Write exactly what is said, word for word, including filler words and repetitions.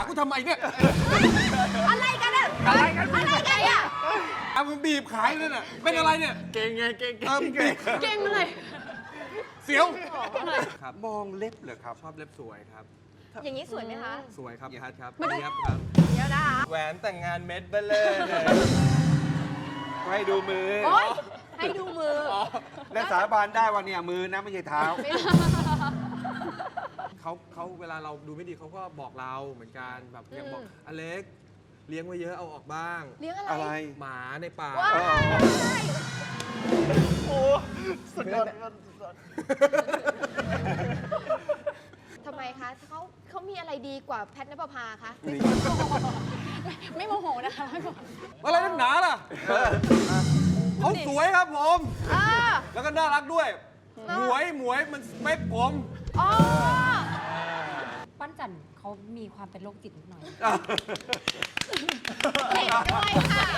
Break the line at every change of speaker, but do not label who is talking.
กูทำไมเนี่ย
อะไรกันเนี่ยอะไรกันอะไรกันอ่ะ
เอามึงบีบขายเลยน่ะเป็นอะไรเนี่ย
เก่งไงเก่ง
เออบีบ
เก่งเลย
เสียว
ครับมองเล็บเหรอครับ
ชอบเล็บสวยครับ
อย่างนี้สวยไหมคะ
สวยครับยัดครับ
มาดู
ยับครับ
เดี๋ยวนะคะ
แหวนแต่งงานเม็ดเบลเลอร์เลยให้ดูมือ
โอ๊ยให้ดูมือ
และสาบานได้ว่าเนี่ยมือนะไม่ใช่เท้า
เขาเขาเวลาเราดูไม่ดีเขาก็บอกเราเหมือนกันแบบอย่างบอกอเล็กเลี้ยงไว้เยอะเอาออกบ้าง
เลี้ยงอะไร
อะไร
หมาในป่า
ว้าย
โอ้สุดยอด
ทำไมคะเขาเขามีอะไรดีกว่าแพทนภพาคะ
ไม่โมโหนะคะไม่โมโห
อะไรนักหนาล่ะเขาสวยครับผม
อ่า
แล้วก็น่ารักด้วย หมวยหมวยมันสเปคผม
อ๋อ
ปั้นจันเขามีความเป็นโรคจิตนิดหน่อย
เด็กด้วยค่ะ